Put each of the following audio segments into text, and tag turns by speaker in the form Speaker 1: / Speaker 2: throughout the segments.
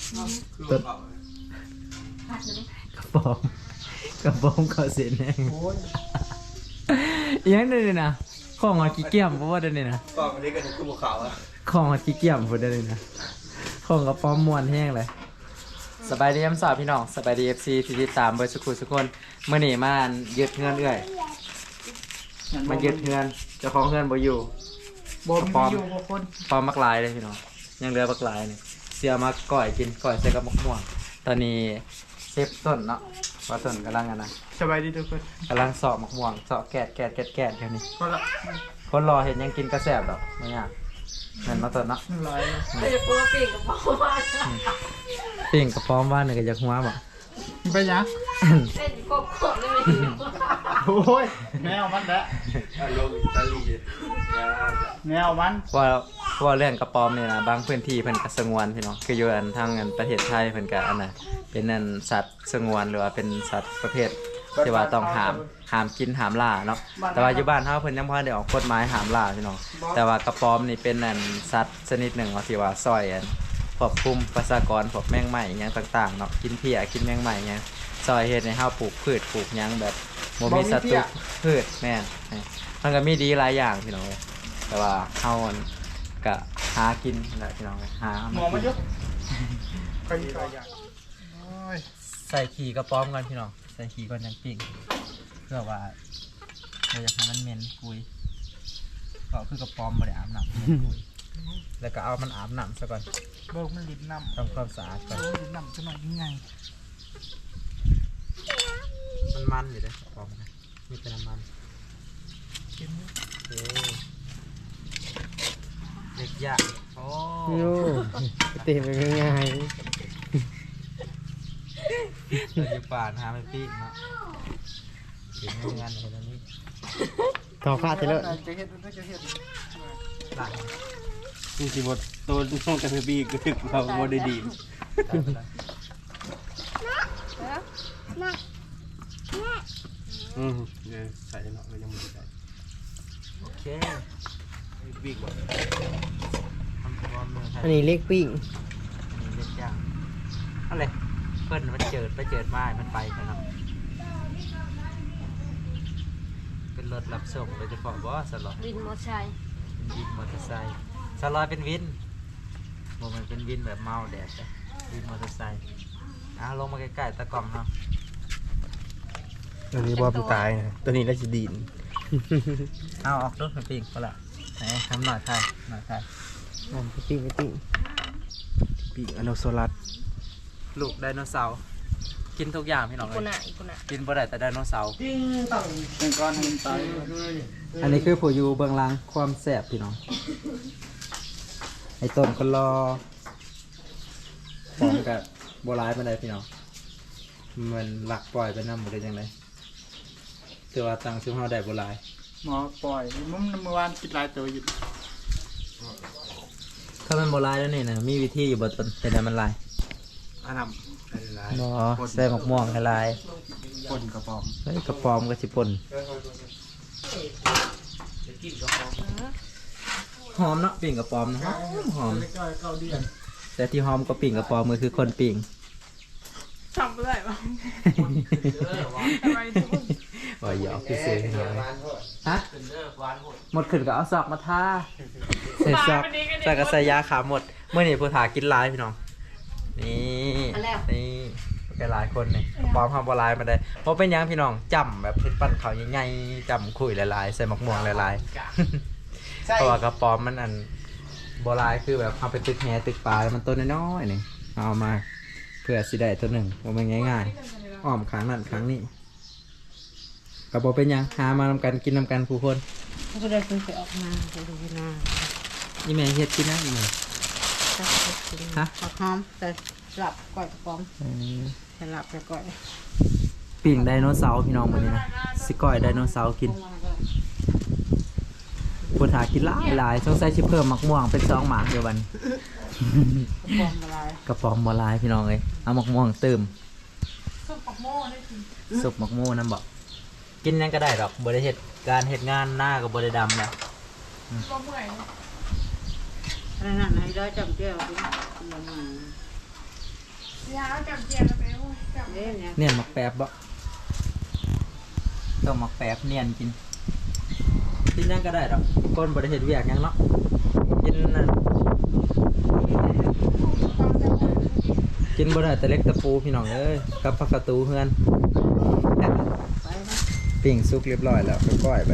Speaker 1: ต้นกระป๋อมเขาเสียแน่ยังได้เลยนะของมากี่เกี่ยมเพราะว่าได้เลยนะ
Speaker 2: กล่องอันนี้ก็คือภูเขาอะ
Speaker 1: ของมากี่เกี่ยมพูดได้เลยนะของกระป๋อมมวนแห้งเลยสบายดีสาวพี่น้องสบายดีFCที่ติดตามเบอร์สุขุทุกคนเมื่อนี่มายึดเงินเอื่อยมายึดเงินเจ้าของเงินบ่อยู่
Speaker 3: บ่มีอยู่บ่คน
Speaker 1: ปอมมักลายเลยพี่น้องยังเหลือมักลายเนี่ยเสียมาก่อยกินก่อยใส่กับมะม่วงตอนนี้เซฟต้นเนาะว่าต้นกำลังนะ
Speaker 3: สบายดีทุกคน
Speaker 1: กำลังสอบมะม่วงสอบแกดแค่นี้
Speaker 3: พอละ
Speaker 1: คนรอเห็นยังกินกระแสบดอกไม่ยากเงินมาต้นเนาะ
Speaker 3: ร้อย
Speaker 4: เราจะพูดว่าปีกกับพ่อว่า
Speaker 1: ปิ่งกระป้อมว่าเนี่ยก็จะหัวบ่
Speaker 3: ไปยัง
Speaker 4: เล่นกบกบเลยไม่รู้
Speaker 3: โอ้ยแนวมันแหละ
Speaker 2: ลงอิตาลี
Speaker 3: แนวมัน
Speaker 1: ว่าเรื่องกระป้อมเนี่ยนะบางพื้นที่เพิ่นก็สงวนพี่น้องคืออยู่อันทางอันประเทศไทยเพิ่นก็อันน่ะเป็นอันสัตว์สงวนหรือว่าเป็นสัตว์ประเภทที่ว่าต้องห้ามกินห้ามล่าเนาะแต่ว่าอยู่บ้านเฮาเพิ่นยังบ่ได้ออกกฎหมายห้ามล่าพี่น้องแต่ว่ากระป้อมนี่เป็นอันสัตว์ชนิดหนึ่งที่ว่าซอยอันควบคุมประชากรพวกแมงไหม้อิหยังต่างๆเนาะกินเพี้ยกินแมงไหม้อิหยังซอยเฮ็ดให้เฮาปลูกพืชปลูกหยังแบบบ่มีศัตรูพืชแม่นมันก็มีดีหลายอย่างพี่น้องแต่ว่าเฮาก็หากินแหละพี่น้องหา
Speaker 3: หมอมันยุบไปอีกอย่างโอ้ย
Speaker 1: ใส่ขี้กระป้อมก่อนพี่น้องใส่ขี้ก่อนจังปิ้งเพื่อว่าเราอยากให้มันเหม็นกุยก็คือกระป้อมบ่ได้อาบน้ำเหม็นกุยแล้วก็เอามันอาบน้ำซะก่อน
Speaker 3: เบิกมันลิ้นน้ำ
Speaker 1: ทำความสะอาดก่อน
Speaker 3: ลิ้นน้ำจะหน่อยยังไง
Speaker 1: มันอยู่เลยกระป้อมนะมีแต่น้ำมัน
Speaker 3: กิน
Speaker 1: โอเคเด็กยากโอ้
Speaker 5: โย่เตะไปง่าย
Speaker 1: เราอยู่ป่านะฮะไม่ปิ้งเนาะเห็นงานอะไรนี้
Speaker 5: ๆต่อฟาดไปเลย
Speaker 3: จะเห็ดจะเห็ด
Speaker 1: หลัง
Speaker 2: จริงๆบทตัวช่วงแต่ปีก็คือเราโมได้ดี ใส่เนาะยังไม่ใส่
Speaker 1: โอเค
Speaker 2: ปีกว่า
Speaker 1: ทำความเมืองไทย
Speaker 5: อันนี้เล็กปิ้ง
Speaker 1: อันนี้เล็กยากอะไรเพิ่นมันเจิดมามันไปแค่นั้นเป็นรถรับส่งโดยเฉพาะบ่สลอด
Speaker 4: วินมอชัย
Speaker 1: เป็นวินมอเตอร์ไซค์สลอยเป็นวินบ่มันเป็นวินแบบเมาแดดเลยวินมอเตอร์ไซค์ลงมาใกล้ๆตะกล่องเนาะ
Speaker 2: ตัวนี้บอมตายนะตัวนี้น่าจะดีน
Speaker 1: เอาออกรถมาปิ้งก็ละไหนทำหน่อยค่ะหน่อยค่ะ
Speaker 5: นั่นไปปิ้งไปปิ้ง
Speaker 2: ปีกอโนโซลัส
Speaker 1: ลูกไดโนเสาร์กินทุกอย่างพี่น้อง
Speaker 4: กุ
Speaker 1: เล
Speaker 4: น่ะ
Speaker 1: ย
Speaker 4: อีกุน่ะ
Speaker 1: กินบ่ได้แต่ไดโนเสาร์
Speaker 3: เป็นก้อนให้มันตาย
Speaker 1: อันนี้คือผู้อยู่เบื้องหลังความแสบพี่น้องไอ้ต้นก็รอพร้อมกับโบราณมาได้พี่น้องมันหลักปล่อยไปน้ำหมดเลยจังไงถือว่าตังซื้อเฮาได้โบราณ
Speaker 3: หมอปล่อยมันเมื่อวานกินหลายตัวอยู่
Speaker 1: ถ้ามันโบราณแล้วนี่นะมีวิธีอยู่บนต้นแต่ได้มันลาย
Speaker 2: อันนำเป็นไร
Speaker 1: บ่ใส่หมกม่วงให้ลาย
Speaker 2: ปนกระป๋อม
Speaker 1: เฮ้ยกระปอมกระสิปนหอมเนาะปิ่งกระปอมนะหอม
Speaker 3: ใกล้ๆเข้าเดือน
Speaker 1: แต่ที่หอมก็ปิ่งกระปอมมือคือคนปิ่ง
Speaker 4: ทำอะไรบ้างทำไมทุกคน
Speaker 1: ว่าหยอกพี่เสือให้หน่อยฮะหมดขึ้นก็เอาซอกมาทาใส่ซอกใส่กระใส่ยาขาหมดเมื่อนี่ผู้ถากินลายพี่น้องนี่นี่แกหลายคนนี่ปลอมทำบลายมาได้เพราะเป็นหยังพี่น้องจำแบบเพชรปั้นเขาใหญ่ๆจำคุยหลายๆใส่หมกม่วงหลายๆเพราะว่ากระปอมมันอันโบราณคือแบบเอาไปตึกแหตึกปลาแล้วมันต้นน้อยๆนี่เอามาเพื่อสิได้ตัวหนึ่งว่ามันง่ายๆอ้อมครั้งนั้นครั้งนี้กระบอกเป็นหยังหามานำกันกินนำกันผู้คน
Speaker 4: ก็ได้คุณไปออกมาไปดูนา
Speaker 1: นี่แม่เฮ็ดกินนะนี่แม่
Speaker 4: ตักกิน
Speaker 1: ฮะ
Speaker 4: ผักหอมแต่หลับก่อยกระป๋อมแต่หลับแต่ก่อย
Speaker 1: ปิ่งไดโนเสาร์พี่น้องมันนี่นะสิก้อยไดโนเสาร์กินผู้ถากินหลายสงสัยสิเพิ่มหมักม่วงเป็น2หมากเดียวบัน
Speaker 4: กระป๋อมอะไร
Speaker 1: กระป๋อมบลายพี่น้องเลยเอาหมักม่วงเติม
Speaker 4: ซุปผักโม่ได้กิน
Speaker 1: สุกหมักม่วงนั่นบอกกินยังก็ได้ดอกบริเหตุการเหตุงานหน้ากับบริดำแล้ว
Speaker 4: บ่เมื่อย
Speaker 6: นั่นให้ได้จำเจ้าดิมันมา
Speaker 4: ยาจับเจียนไปโอ้ยจับ
Speaker 6: เล่นเนี่ย
Speaker 1: เนียนหมักแป๊บบ่ต้องหมักแป๊บเนียนกินกินยังก็ได้ดอกก้นบ่ได้เฮ็ดเวียกหยังเนาะกินนั่นกินบ่ได้แต่เล็กตะปูพี่น้องเอ้ยกับผักกระตูเฮือนปิ้งสุกเรียบร้อยแล้วก็ก้อยไป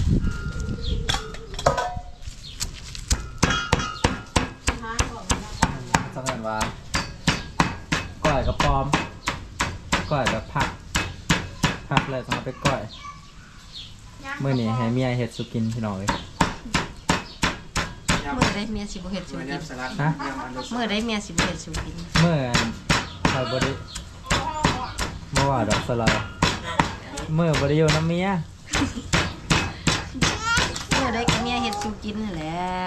Speaker 1: สังเกตว่าก้อยกับปอมก้อยแบบผักเลยต้องเอาไปก้อยมื้อนี้ให้เมียเฮ็ดสุกินพี่น้องเอ้ย
Speaker 6: เมื่อได้เมียสิบ่เฮ็ดสิกิน
Speaker 1: ฮะ
Speaker 6: เมื่อได้เมียสิบ่เฮ็ดสิกิน
Speaker 1: เมื่อใครบ่ได้เมื่อว่าดอกสลายเมื่อบ่ได้อยู่น้ำเมีย
Speaker 6: เมื่อได้กับเมียเฮ็ดสิกินนั่นแล้ว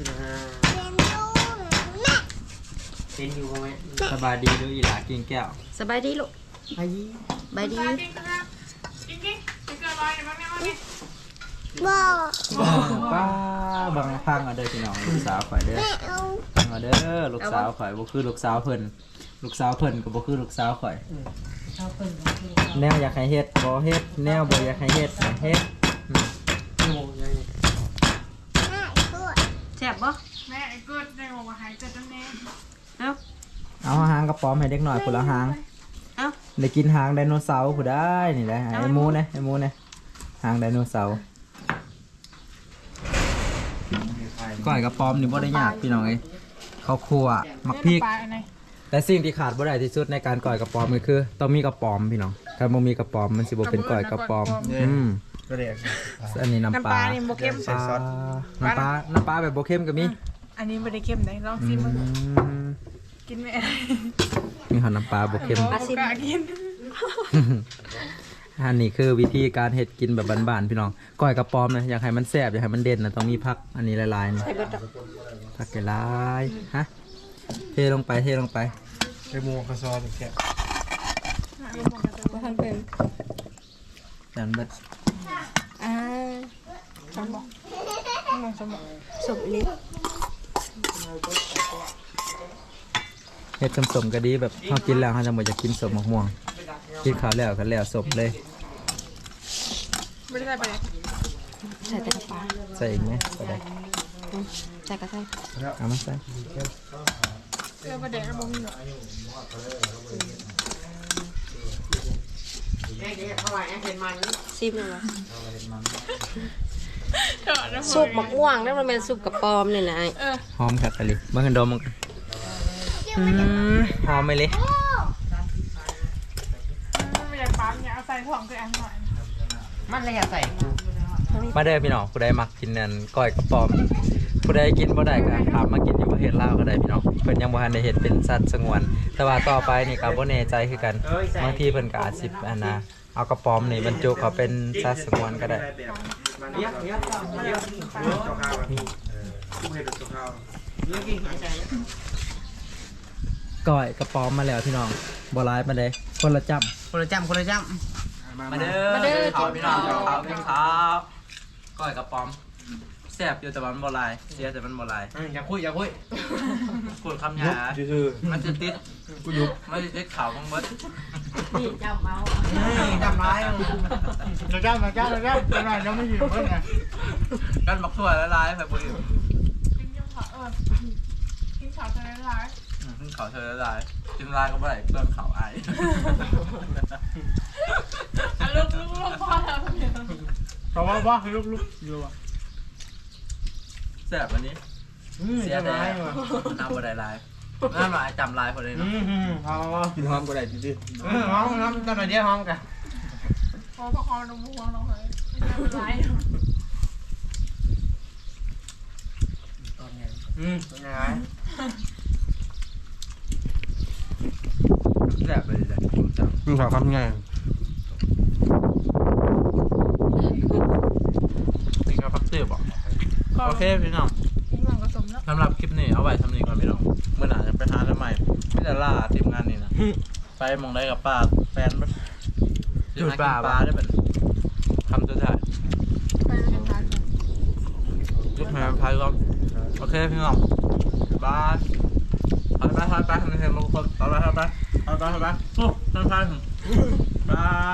Speaker 2: เป็นอยู่บ่แม่
Speaker 1: สบายดีเด้ออีหลากินแก้ว
Speaker 6: สบายดีลูก
Speaker 5: อายี
Speaker 6: สบายดี
Speaker 4: จริงๆนะจริงๆจะเกิดอะไรบ้างเนี่ยมั้งเนี่ย
Speaker 1: ป้าบังพังเอาเด้อพี่น้องลูกสาวข่อยเด้อฟังเอาเด้อลูกสาวข่อยบ่คือลูกสาวเพิ่นลูกสาวเพิ่นก็บ่คือลูกสาวข่อย แนวอยากให้เฮ็ดบ่เฮ็ดแนวบ่อยากให้เฮ็ดก็เฮ็ด
Speaker 6: แซ่บบ่
Speaker 4: แม่ไอ้เกิดในหัวหายเกิดตั้งแน่
Speaker 6: เอ้า
Speaker 1: เอาหางกระป๋อมให้เด็กหน่อยพุ่นละหาง
Speaker 6: เอ้า
Speaker 1: ได้กินหางไดโนเสาร์ผู้ได้นี่แหละไอ้หมูนะไอ้หมูนะหางไดโนเสาร์ก้อยกระป๋อมนี่บ่ได้ยากพี่น้องเอ้ยข้าวคั่วหมักพริก
Speaker 4: ปลาอะไร
Speaker 1: แต่สิ่งที่ขาดบ่ได้ที่สุดในการก่อยกระป๋อมก็คือต้องมีกระป๋อมพี่น้องถ้าบ่มีกระป๋อมมันสิบ่เป็นก่อยกระป๋อม
Speaker 3: ก็เรียก
Speaker 1: อันนี้น้ำปลา
Speaker 4: นี่โบเข้ม
Speaker 1: ปลาน้ำปลาแบบบ่เข้มก็มี
Speaker 4: อันนี้ไม่ได้เข้มไหนลองซิมมึงกินไหม
Speaker 1: มีหอมน้ำปลาบ่เข้ม
Speaker 4: ปลาซิมกิน
Speaker 1: อันนี้คือวิธีการเฮ็ดกินแบบบ้านๆพี่น้องก้อยกระป๋อมนะอยากให้มันแซ่บอยากให้มันเด่นนะต้องมีผักอันนี้หลายๆนี่ผักหลายๆฮะเทลงไป
Speaker 3: ไอ้หมูกระซอนแค่
Speaker 6: บ่ทันเป็น
Speaker 1: จานเบิด
Speaker 4: สมองสมอง
Speaker 6: สุบลิ้น
Speaker 1: เฮ็ดสมๆก็ดีแบบเฮากินแล้วเฮาจะบ่อยากกินสมมะม่วงกินข้าวแล้วก็แล้วสมเลย
Speaker 4: ไม่ได้ไป
Speaker 6: ใส่แต่กระปา
Speaker 1: ใส่อีกไหมก็ได้
Speaker 6: ใส่กระใส่
Speaker 1: เอามาใส่
Speaker 4: เออประเด็นกระบอกมีหน่อย
Speaker 6: ซิมเลยว่ะ
Speaker 4: เถอะนะ
Speaker 6: ซุปมะม่วงนั่นมันเป็นซุปกระปอมนี่นะไอ้
Speaker 1: หอมครับอะไรเบิ่งกันดมมันหอมไหมเลย
Speaker 4: ไม่ได้ปั๊มเนี่ยเอาใส่ถ่องคืออันหน่อย
Speaker 6: มันเลยอยากใส่
Speaker 1: มาเด้อพี่น้องผู้ใดมักกินนั่นก้อยกระป๋อมผู้ใดกินบ่ได้ก็ถามมากินอยู่ประเทศลาวก็ได้พี่น้องเพิ่นยังบ่ทันได้เฮ็ดเป็นสัตว์สงวน แต่ว่าต่อไปนี่ก็บ่แน่ใจคือกันบางทีเพิ่นก็อาจสิอันน่ะเอากระป๋อมนี่บรรจุเขาเป็นสัตว์สงวนก็ได้
Speaker 3: เยี่ยมเจ้าข้าวผู้เห็นเจ้าข้าว
Speaker 1: ก้อยกระป๋อมมาแล้วพี่น้องบ่หลายปานใดคนละจ้ำ
Speaker 2: คนละจ้ำ
Speaker 1: มาเด้อข้าวพี่น้องกินข้าวก้อยกระป๋อมแซ่บอยู่แต่มันบ่หลายเสียแต่มันบ่หลาย
Speaker 2: อย่าคุย
Speaker 1: พูดคำหยา
Speaker 3: คือ
Speaker 1: มันจะติดกูยุบมันจะติดข่าวบ้างเบิด
Speaker 6: นี่จำเอา
Speaker 2: จำร้าย
Speaker 3: เราจ้าเป็นไรเราไม่หิวเพื่อนไง
Speaker 1: กันบักถั่วละลายแบบบุญ
Speaker 4: กินยังขอกินขาวจะได้ร้าย
Speaker 1: ขึ้นเขาเธอละลายกินลายก็ไม่ได้เปลืองเขาไอ
Speaker 4: ลูกพ่อแล้วเนี่ย
Speaker 3: เพราะว่าคือลูกอยู่อ่ะ
Speaker 1: แซ่บวันนี้เสียแต่น้ำบัวได้ลายน้ำลายจำลายพอเลยเนาะ
Speaker 3: พอกินหอมก็ได้จริง
Speaker 2: หอมน้ำหน่อยเดียวหอมกัน
Speaker 4: พอประคองนมวัวลงเลยไม่เป็นไร
Speaker 2: ยังไง
Speaker 1: แซ่บเลยจ้ะ
Speaker 3: มึงขอคำไง
Speaker 1: นี่ก็พักเสียบโอเคพี่น้อง
Speaker 4: กินหลังผสมแล้ว
Speaker 1: สำหรับคลิปนี้เอาไว้ทำนี้ก่อนพี่น้องเมื่อหนาจะไปหาทำไมไม่แต่ล่าทีมงานนี่นะไปมองได้กับป้าแฟนจุดปลาได้แบบคำสุดท้าย
Speaker 4: ไปเรียนร้าน
Speaker 1: ยุบแม่พายก่อนโอเคพี่น้องบาย
Speaker 3: ไปมันเห็นบางคนเอาไปโอ้ท่านไป